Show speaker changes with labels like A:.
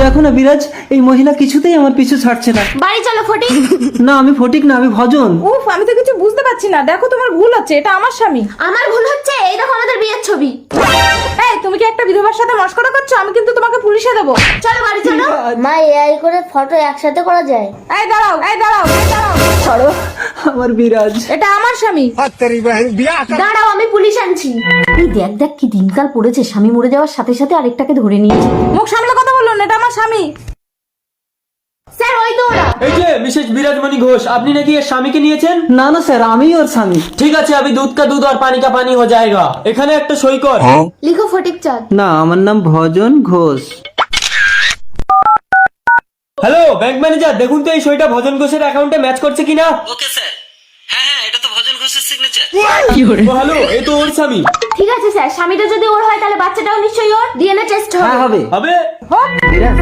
A: দেখো না বিরাজ, এই মহিলা কিছুতেই আমার পিছু ছাড়ছে না।
B: বাড়ি চলো ফটিক।
A: না আমি ফটিক না, আমি ভজন।
C: উফ, আমি তো কিছু বুঝতে পারছি না। দেখো তোমার ভুল হচ্ছে, এটা আমার স্বামী।
B: আমার ভুল হচ্ছে, এই দেখো আমাদের বিয়ের ছবি।
C: এই তুমি কি একটা বিধবার সাথে মশকরা করছো? আমি কিন্তু তোমাকে পুলিশে দেবো।
B: চলো বাড়ি চলো।
D: মা এআই করে ফটো একসাথে করা যায়?
C: এই দাঁড়াও, এই দাঁড়াও, এই দাঁড়াও, সরো।
A: আমার বিরাজ।
C: এটা আমার স্বামী।
B: দাঁড়াও, আমি পুলিশ আনছি।
D: এই দেখ দেখ কি দিনকাল পড়েছে, স্বামী মরে যাওয়ার সাথে সাথে আরেকটাকে ধরে নিয়েছে।
C: মুখ সামলে কথা বলুন, এটা আমার স্বামী।
B: স্যার ওই তো ওরা।
E: এই যে মিসেস বিরাজমণি ঘোষ, আপনি নাকি এর স্বামীকে নিয়েছেন?
A: না না স্যার, আমি ওর স্বামী।
E: ঠিক আছে, अभी दूध का दूध और पानी का पानी हो जाएगा। এখানে একটা সই কর।
B: লিখো ফটিক চাঁদ।
A: না, আমার নাম Bhajan Ghosh.
E: Hello bank manager, দেখুন তো এই সইটা ভজন ঘোষের অ্যাকাউন্টে ম্যাচ করছে কিনা।
F: ওকে স্যার, হ্যাঁ এটা তো ভজন ঘোষের সিগনেচার।
E: ও হ্যালো, এই তো ওর স্বামী।
B: ঠিক আছে স্যার, স্বামীটা যদি ওর হয় তাহলে বাচ্চাটাও নিশ্চয়ই ওর। ডিএনএ টেস্ট
A: হ্যাঁ
B: হবে।
A: হবে।
E: হবে।
A: বিরাজ